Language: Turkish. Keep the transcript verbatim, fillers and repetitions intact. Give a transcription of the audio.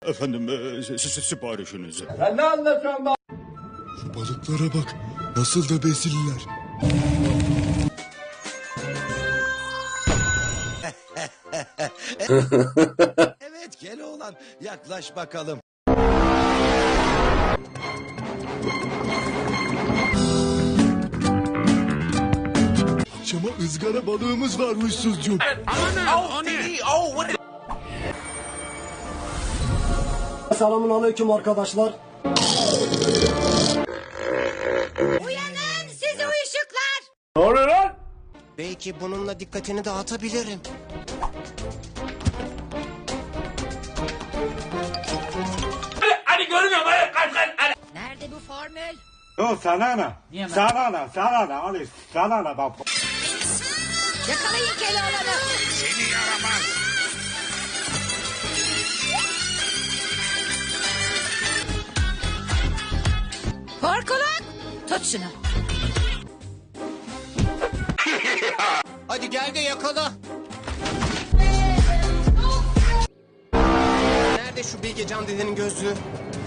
Efendim e, si- si- siparişinizi. Sen ne anlatıyorsun be? Şu balıklara bak. Nasıl da besiller. Evet Keloğlan, yaklaş bakalım. Akşama ızgara balığımız varmış Suzcuğum. Selamun aleyküm arkadaşlar. Uyanın sizi uyuşuklar. Ne oluyor lan? Belki bununla dikkatini dağıtabilirim. Hadi görmüyorum hadi kaç kaç hadi. Nerede bu formül? Yo sana ne? Sana ne? Sana ne? Ali sana ne? Bak. Yakalayın Keloğlan'ı. Seni yaramaz. Korkuluk. Tut şunu. Hadi gel de yakala. Nerede şu Bilgecan dedenin gözlüğü?